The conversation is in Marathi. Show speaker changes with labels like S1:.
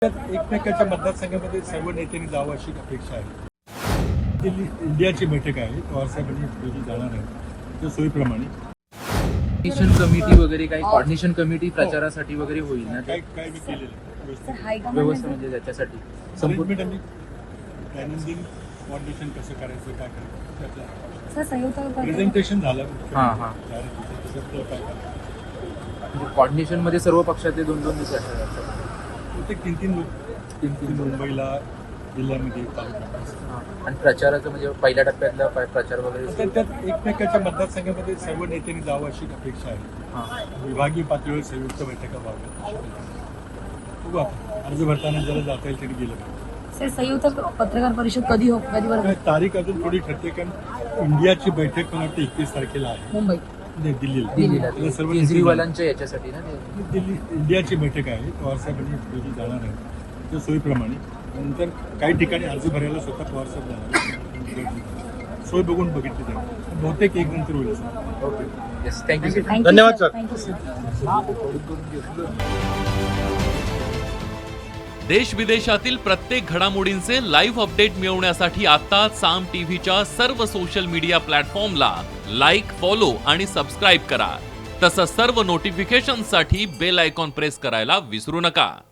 S1: एकमेकांच्या मतदारसंघामध्ये सर्व नेत्यांनी जावं अशी अपेक्षा आहे. दिल्ली इंडियाची बैठक आहे, पवारसाहेबांनी जाणार आहे त्या सोयीप्रमाणे.
S2: कोऑर्डिनेशन कमिटी वगैरे काही कोऑर्डिनेशन कमिटी प्रचारासाठी वगैरे होईल ना?
S1: काय मी केलेलं आहे
S2: व्यवस्था म्हणजे त्याच्यासाठी संपूर्ण
S1: दैनंदिन कोऑर्डिनेशन कसं करायचं, काय करायचं
S3: सर संयुक्त
S1: प्रेझेंटेशन झालं.
S2: कोऑर्डिनेशन मध्ये सर्व पक्षाचे दोन दिवस असतात.
S1: प्रत्येक तीन लोक मुंबईला, जिल्ह्यामध्ये, तालुक्यात.
S2: आणि प्रचाराचं म्हणजे पहिल्या टप्प्यातला प्रचार वगैरे
S1: त्यात एकमेकांच्या मतदारसंघामध्ये सर्व नेत्यांनी जावं अशी अपेक्षा आहे. विभागीय पातळीवर संयुक्त बैठका व्हाव्या. बघू आपण अर्ज भरताना ज्याला जाता येईल त्यांनी गेलं पाहिजे.
S3: सर संयुक्त पत्रकार परिषद कधी बरोबर
S1: तारीख अजून थोडी ठरते, कारण इंडियाची बैठक मला वाटतं 21 तारखेला आहे
S3: मुंबई
S1: दिल्लीला. सर्व
S2: केजरीवालांच्या याच्यासाठी ना
S1: दिल्ली इंडियाची बैठक आहे, पवारसाहेबांनी जाणार आहे त्या सोयीप्रमाणे. नंतर काही ठिकाणी अर्ज भरायला स्वतः पवारसाहेब जाणार. सोय बघून बघितली जाईल. बहुतेक एक नंतर होईल.
S2: Okay, yes, thank you.
S1: धन्यवाद सर.
S3: Thank you sir.
S4: देश विदेशातील प्रत्येक घडामोडींचे लाईव्ह अपडेट मिळवण्यासाठी आता साम टीव्हीच्या सर्व सोशल मीडिया प्लॅटफॉर्मला लाईक, फॉलो आणि सबस्क्राईब करा. तसंच सर्व नोटिफिकेशनसाठी बेल आयकॉन प्रेस करायला विसरू नका.